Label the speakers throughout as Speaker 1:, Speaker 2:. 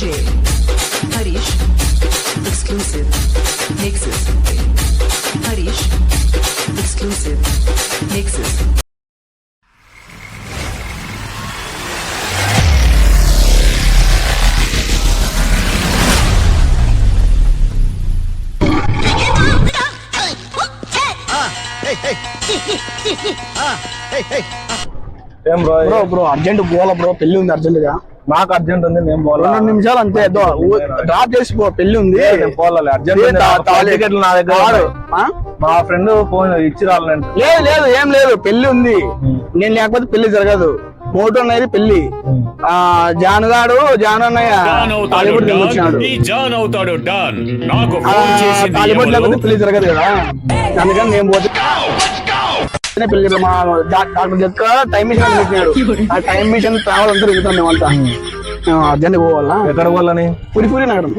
Speaker 1: DJ Harish exclusive mixes. Harish exclusive mixes.
Speaker 2: Bro urgent పోవాలా bro, పెళ్లి ఉంది urgent గా.
Speaker 3: నాకు అర్జెంట్ ఉంది, నేను పోలా.
Speaker 2: 2 నిమిషాలు అంతే, డ్రాప్ చేసి పో, పెళ్లి ఉంది.
Speaker 3: పోలే అర్జెంట్. నా దగ్గర మా ఫ్రెండ్ ఫోన్ ఇచ్చి రాలంటే.
Speaker 2: లేదు ఏం లేదు, పెళ్లి ఉంది. నేను లేకపోతే పెళ్లి జరగదు. మోటో అనేది పెళ్లి. జానుగాడు అన్నయ్య టాలీవుడ్ వచ్చినాడు. టాలీవుడ్ లేకపోతే పెళ్లి జరగదు కదా, అందుకని నేను పోతే పెళ్లి. మా డాక్టర్ జక్క టైం మిషన్ పెట్టినాడు. ఆ టైం మిషన్ ట్రావెల్ అంతా తిరుగుతాం మేమంతా. అర్జెంట్ పోవాలా.
Speaker 3: ఎక్కడ పోవాలని?
Speaker 2: పురిపూరి నగరం.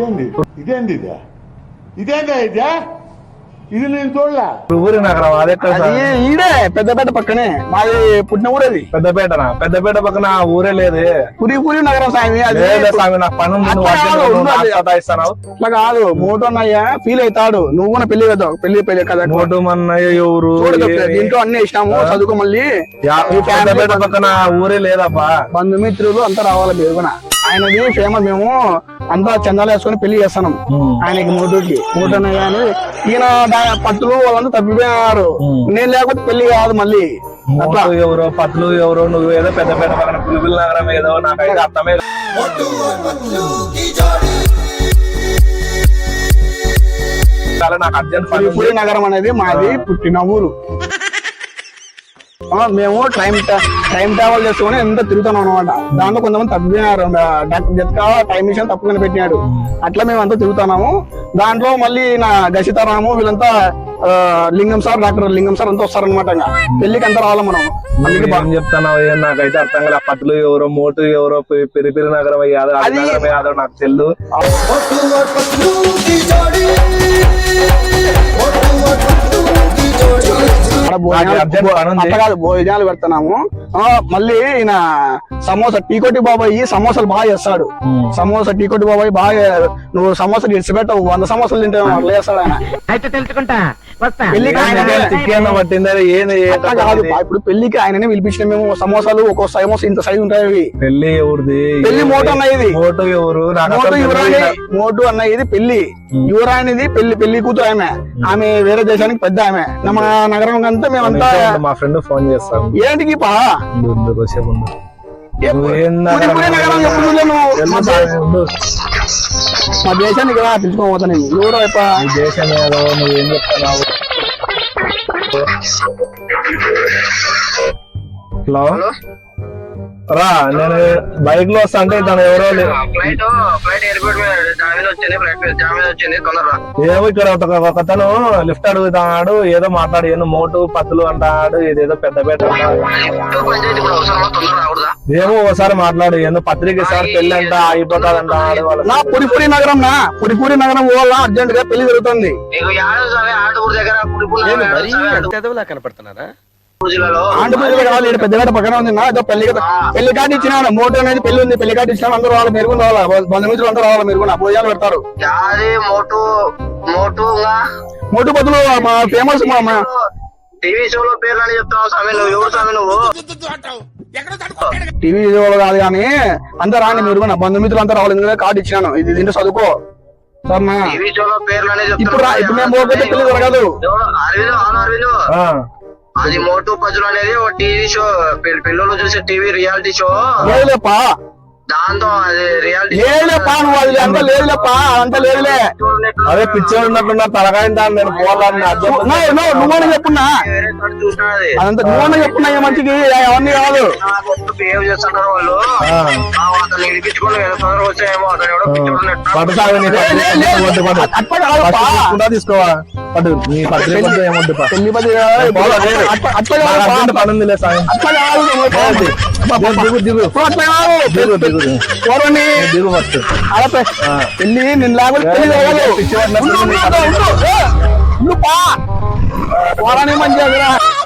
Speaker 4: ఇది నేను చూడలే.
Speaker 3: పురిపూరి నగరం అదే
Speaker 2: ఈడే పెద్దపేట పక్కనే మాది, పుట్టిన ఊరు అది.
Speaker 3: పెద్దపేటనా? పెద్దపేట పక్కన ఊరే లేదు.
Speaker 2: పురిపూరి నగరం స్వామి.
Speaker 3: స్వామి నాకు పని
Speaker 2: అట్లా కాదు. మోటో అన్నయ్య ఫీల్ అవుతాడు, నువ్వు కూడా పెళ్లి కదా. పెళ్లి కదా.
Speaker 3: మోటో అన్నయ్య ఎవరు?
Speaker 2: దీంట్లో అన్ని ఇష్టము, చదువుకో. మళ్ళీ
Speaker 3: పెద్దపేట పక్కన ఊరే లేదబ్బా.
Speaker 2: బంధుమిత్రులు అంతా రావాలి మీరు కూడా. ఆయనది ఫేమస్. మేము అంతా చందాలు వేసుకొని పెళ్లి చేస్తున్నాం ఆయనకి, మోటోకి. మోటో అన్నయ్య అని ఈయన పట్టులు వాళ్ళంతా తప్పిపోయినారు. నేను లేకపోతే పెళ్లి కాదు మళ్ళీ.
Speaker 3: ఎవరో పట్లు ఎవరో, నువ్వు ఏదో పెద్దపేట పక్కన పులిపిల్ల నగరం ఏదో, నాకైతే అర్థమే. నాకు అర్జెంట్.
Speaker 2: పులిపూరి నగరం అనేది మాది పుట్టిన ఊరు. మేము టైం ట్రావెల్ చేసుకుని ఎంత తిరుగుతున్నాం అనమాట. దాంట్లో కొంతమంది తప్పిపోయినారు. డాక్టర్ జత్కా టైం మిషన్ తప్పుకొని పెట్టినాడు. అట్లా మేము అంతా తిరుగుతున్నాము. దాంట్లో మళ్ళీ నా గసితారాము వీళ్ళంతా లింగం సార్, డాక్టర్ లింగం సార్ అంతా వస్తారనమాట. పెళ్లికి అంతా రావాలి మనం.
Speaker 3: ఏం చెప్తాను, నాకైతే అర్థం కదా. పట్లు ఎవరో, మోటు ఎవరో, పెరిపిరి నగరం యాదవ్ నాకు తెలు.
Speaker 2: భోజనాలు పెడుతున్నాము. మళ్ళీ ఈయన సమోసా టీకోటి బాబాయ్ సమోసాలు బాగా చేస్తాడు. సమోసా టీకోటి బాబాయ్ బాగా, నువ్వు సమోసాలు ఇడిచిపెట్టవు, 100 సమోసాలు తింటే అట్లా చేస్తాడు ఆయన. ఇప్పుడు పెళ్లికి ఆయననే పిలిపించిన మేము. సమోసాలు ఒక్కో సమోసా ఇంత సైజు ఉంటాయి.
Speaker 3: పెళ్లి ఎవరిది?
Speaker 2: పెళ్లి మోటో అన్నది.
Speaker 3: మోటో ఎవరు?
Speaker 2: మోటో అన్నది పెళ్లి. యువరానిది పెళ్లి కూతురు ఆమె వేరే దేశానికి పెద్ద ఆమె. మన నగరం అంతా మేమంతా.
Speaker 3: మా ఫ్రెండ్ ఫోన్ చేస్తాను.
Speaker 2: ఏంటికి పా మా దేశాన్ని కదా పిలుచుకోపోతా నేను. ఎవరో
Speaker 3: దేశం ఏదో, నువ్వేం చెప్తున్నావు? హలో రా, నేను బైక్ లో వస్తా అంటే తను ఎవరో ఏమో ఇక్కడ ఒకతను లిఫ్ట్ అడుగుతాడు, ఏదో మాట్లాడు, ఏదో మోటు పత్తులు అంటాడు, ఏదేదో పెద్దపేట ఏమో ఒకసారి మాట్లాడు, ఏదో పత్రిక సార్ పెళ్లి అంట అయిపోతాది అంటాడు.
Speaker 2: నా పురిపూరి నగరం పోవాలా, అర్జెంట్ గా పెళ్లి జరుగుతుంది.
Speaker 4: కనపడుతున్నారా?
Speaker 2: ఆంధ్రప్రదేశ్ కావాలి, పెద్దపేట పక్కన ఉంది. పెళ్లి కార్డు ఇచ్చినాడు. మోటో అనేది పెళ్లి ఉంది, పెళ్లి కార్డు ఇచ్చినాడు. అందరూ రావాలి, మీరు కూడా రావాలి, బంధుమిత్రులు అందరూ రావాలి. మీరు కూడా భోజనాలు పెడతారు. మోటు బదులు మా ఫేమస్
Speaker 4: టీవీ షోలో పేర్లు అని చెప్తావు స్వామి, నువ్వు ఎవరు స్వామి? నువ్వు
Speaker 2: టీవీ షోలో కాదు కానీ అందరూ రాని, మీరు కూడా బంధుమిత్రులు అంతా రావాలి. ఎందుకంటే కార్డు ఇచ్చినాను, ఇది దీంట్లో చదువుకో.
Speaker 4: టీవీ షోలో పేర్లు అని
Speaker 2: ఇప్పుడు మేము పోతే పెళ్లి జరగదు.
Speaker 4: అది మోటు పజులు అనేది ఒక టీవీ షో, పిల్లలు చూసే టీవీ రియాలిటీ షో.
Speaker 2: లేదులేపా,
Speaker 4: దాంతో అది రియాలిటీ
Speaker 2: లేదులేపా, నువ్వు అది అంతా లేదులేపా, అంతా లేదులే.
Speaker 3: అదే పిక్చర్ ఉన్నట్టున్నా తలకాయ దాన్ని నేను పోవాలని
Speaker 2: నువ్వని చెప్పున్నా, అదంతా నువ్వని చెప్పున్నా. ఏ మంచికి అవన్నీ కాదు.
Speaker 4: బిహేవ్ చేస్తుంటారు వాళ్ళు. అతను ఇడిపించుకొని వచ్చాయేమో, అతను ఎవడో
Speaker 3: తీసుకోవా పట్టు నీ పత్రిక ఏముంది
Speaker 2: పెళ్లి నిన్న లేకపోతే మంచిగా